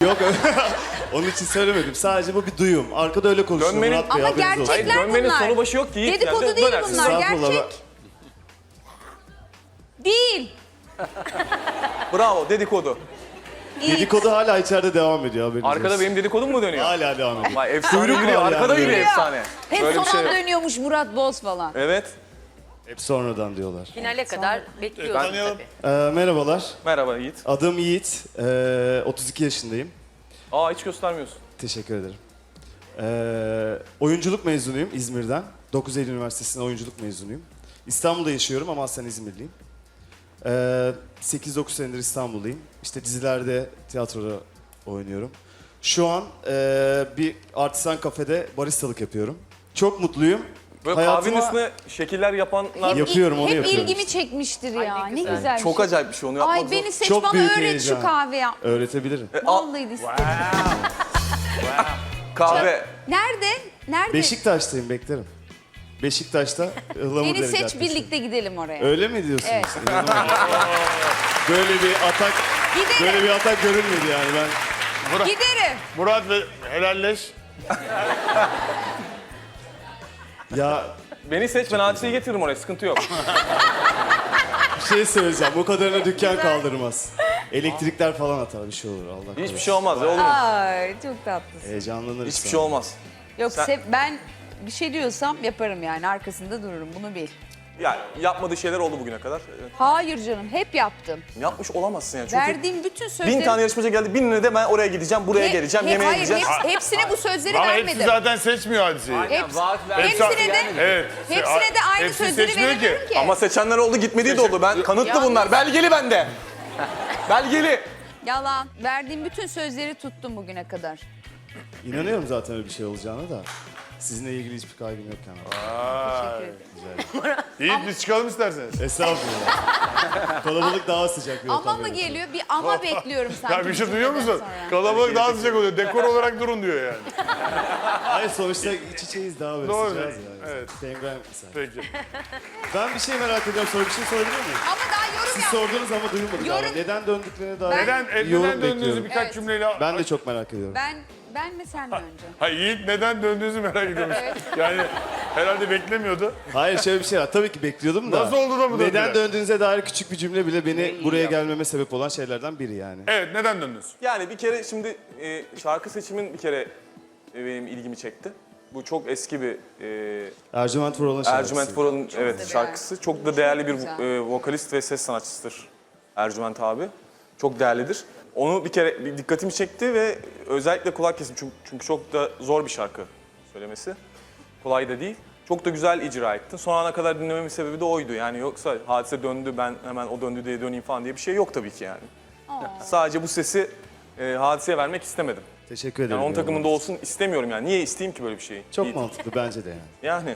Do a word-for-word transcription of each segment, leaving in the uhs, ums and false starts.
Yok onun için söylemedim. Sadece bu bir duyum. Arkada öyle konuşuyor Dönmenin- Murat Bey. Ama haberiniz olsun. gerçekler Hayır, dönmenin bunlar. sonu başı yok ki. Yiğit Dedikodu geldi, değil dönersin. bunlar. Estağfurullah. Gerçek. Değil. Bravo, dedikodu. İyi. Dedikodu hala içeride devam ediyor haberiniz Arkada olsun. benim dedikodum mu dönüyor? Hala devam ediyor. Vay efsane Kuyruk yürüyor, var arkada yani. yürüyor efsane. Hep Böyle son bir şey an yok. dönüyormuş Murat Boz falan. Evet. Hep sonradan diyorlar. Finale kadar bekliyoruz tabii. Ee, merhabalar. Merhaba Yiğit. Adım Yiğit. Ee, otuz iki yaşındayım. Aa hiç göstermiyorsun. Teşekkür ederim. Ee, oyunculuk mezunuyum İzmir'den. dokuz Eylül Üniversitesi'nde oyunculuk mezunuyum. İstanbul'da yaşıyorum ama aslen İzmirliyim. Ee, sekiz dokuz senedir İstanbul'dayım. İşte dizilerde, tiyatroda oynuyorum. Şu an ee, bir artisan kafede baristalık yapıyorum. Çok mutluyum. Böyle Hayatıma- kahvenin üstüne şekiller yapanlar Hep, Yapıyorum, onu hep yapıyorum ilgimi işte. çekmiştir Ay, ya. ne Ne güzel. güzel bir çok şey. acayip bir şey onu yapmak Ay zor. beni seç Çok bana büyük öğret heyecan. şu kahve yap. Öğretebilirim. E, al, Vallahi de istedim. kahve. Nerede? Nerede? Beşiktaş'tayım, beklerim. Beşiktaş'ta Ihlamur Beni Dere seç Caddesi. birlikte gidelim oraya. Öyle mi diyorsunuz? Evet. İnanamıyorum. Böyle bir atak, Giderim. böyle bir atak görülmedi yani ben. Giderim. Murat ve helalleş. Ya Beni seç ben hadiseyi getiririm oraya sıkıntı yok. bir şey söyleyeceğim. O kadarına dükkan kaldırmaz. Elektrikler falan atar, bir şey olur Allah korusun. Hiçbir şey olmaz ya olur mu? Ay çok tatlısın. Heyecanlanırız. Hiçbir şey olmaz. Yok Sen- se- ben bir şey diyorsam yaparım yani arkasında dururum bunu bil. Ya yapmadığı şeyler oldu bugüne kadar. Evet. Hayır canım hep yaptım. Yapmış olamazsın yani çünkü Verdiğim bütün sözleri... bin tane yarışmacı geldi binine de ben oraya gideceğim buraya Hep- geleceğim hep- yemeğe hayır, gideceğiz. hep- hepsine bu sözleri Ama vermedim. hepsi zaten seçmiyor hadiseyi. Hepsi- Hepsi- hepsine de, Evet. hepsine de aynı Hepsi sözleri seçmiyor ki. veremiyorum ki. Ama seçenler oldu gitmediği de oldu. Ben kanıtlı Yalnız- bunlar. Belgeli bende. Belgeli. Yalan. Verdiğim bütün sözleri tuttum bugüne kadar. İnanıyorum zaten öyle bir şey olacağına da. Sizinle ilgili hiçbir kaygım yok yani. Teşekkür ederim. Yiğit biz çıkalım isterseniz. Estağfurullah. Kalabalık daha sıcak bir ortam. Ama mı yaratıyor. geliyor? Bir ama bekliyorum sanki. Ya bir şey bu duyuyor cümleden musun? sonra. Kalabalık daha sıcak oluyor. Dekor olarak durun diyor yani. Hayır sonuçta iç içeyiz daha böyle Doğru. sıcağız yani. Evet. Penguen misal. Peki. Ben bir şey merak ediyorum. Sonra bir şey sorabilir miyim? Ama daha yorum Siz yap. sordunuz ama duyulmadı Yorum- galiba. Neden döndüklerine dair Neden, e, yorum neden döndüğünüzü bekliyorum. birkaç Evet. cümleyle... Ben de çok merak ediyorum. Ben ben mi sen mi önce? Hayır Yiğit neden döndüğünüzü merak ediyormuş. Yani herhalde beklemiyordu. Hayır şöyle bir şey var. Tabii ki bekliyordum da. Nasıl oldu da bu Neden döndüler? döndüğünüze dair küçük bir cümle bile beni buraya gelmeme sebep olan şeylerden biri yani. Evet neden döndünüz? Yani bir kere şimdi e, şarkı seçimin bir kere e, benim ilgimi çekti. Bu çok eski bir e, Ercüment Vural'ın şarkısı. Ercüment Vural'ın evet güzel. şarkısı. Çok da değerli bir güzel. e, vokalist ve ses sanatçısıdır Ercüment abi. Çok değerlidir. Onu bir kere bir dikkatimi çekti ve özellikle kulak kesim çünkü, çünkü çok da zor bir şarkı söylemesi. Kolay da değil. Çok da güzel icra ettin. Son ana kadar dinlememin sebebi de oydu. Yani yoksa hadise döndü ben hemen o döndü diye döneyim falan diye bir şey yok tabii ki yani. Sadece bu sesi e, hadiseye vermek istemedim. Teşekkür ederim. Yani onun takımında yorumlarınız için. olsun istemiyorum yani. Niye isteyeyim ki böyle bir şeyi? Çok İyi- mantıklı bence de yani. Yani.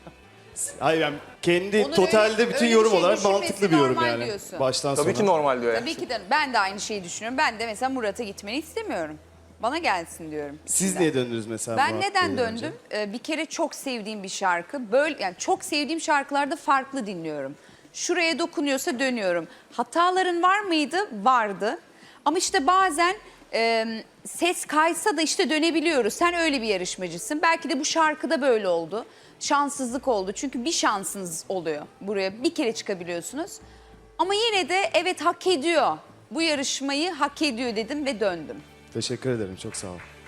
Hayır yani kendi Onun totalde öyle- bütün öyle bir yorum şey olarak düşünmesi mantıklı bir yorum normal yani. diyorsun. Baştan sona. Tabii ki normal diyor yani. Tabii ki de ben de aynı şeyi düşünüyorum. Ben de mesela Murat'a gitmeni istemiyorum. Bana gelsin diyorum. Siz içimden. niye döndünüz mesela? Ben Murat neden Bey'den önce? döndüm? Ee, bir kere çok sevdiğim bir şarkı. Böyle yani çok sevdiğim şarkılarda farklı dinliyorum. Şuraya dokunuyorsa dönüyorum. Hataların var mıydı? Vardı. Ama işte bazen e, ses kaysa da işte dönebiliyoruz. Sen öyle bir yarışmacısın. Belki de bu şarkıda böyle oldu. Şanssızlık oldu. Çünkü bir şansınız oluyor. Buraya bir kere çıkabiliyorsunuz. Ama yine de evet hak ediyor. Bu yarışmayı hak ediyor dedim ve döndüm. Teşekkür ederim çok sağ ol.